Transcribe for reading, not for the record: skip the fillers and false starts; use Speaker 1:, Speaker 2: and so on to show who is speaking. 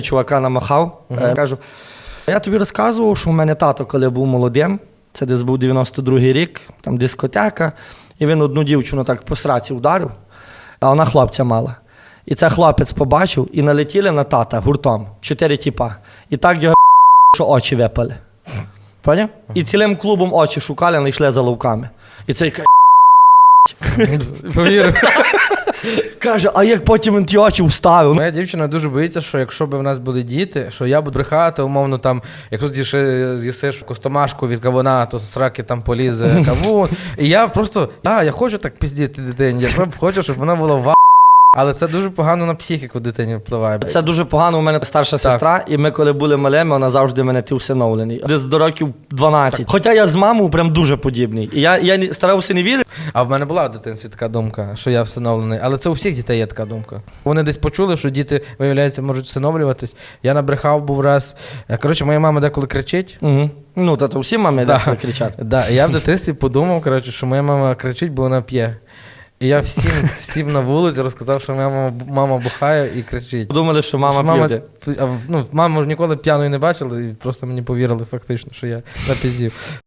Speaker 1: чувака намахав. Кажу, я тобі розказував, що у мене тато, коли був молодим, це десь був 92-й рік, там дискотека, і він одну дівчину так по сраці вдарив, а вона хлопця мала. І це хлопець побачив, і налетіли на тата гуртом, 4 тіпа. І так його що очі випали. Поняв? І цілим клубом очі шукали, знайшли за ловками. І цей
Speaker 2: Повірив.
Speaker 1: каже, а як потім він ті очі вставив?
Speaker 2: Моя дівчина дуже боїться, що якщо б в нас були діти, що я буду брехати, умовно там, якщо з'їсиш костомашку від кавуна, то з сраки там полізе кавун. І я просто, я хочу так пиздіти дитині, я хочу, щоб вона була в. Але це дуже погано на психіку дитині впливає.
Speaker 1: Це дуже погано, у мене старша сестра, і ми коли були малими, вона завжди мене усиновлений. Десь до років 12. Хоча я з мамою прям дуже подібний. І я старався не вірити.
Speaker 2: А в мене була в дитинстві така думка, що я всиновлений. Але це у всіх дітей є така думка. Вони десь почули, що діти, виявляється, можуть всиновлюватись. Я набрехав був раз. Коротше, моя мама деколи кричить.
Speaker 1: Угу. Ну, то всі мами деколи кричать.
Speaker 2: Да. Я в дитинстві подумав, коротше, що моя мама кричить, бо вона п'є. І я всім на вулиці розказав, що моя мама бухає і кричить.
Speaker 1: Думали, що мама п'є.
Speaker 2: Маму ніколи п'яною не бачила і просто мені повірили фактично, що я напіздів.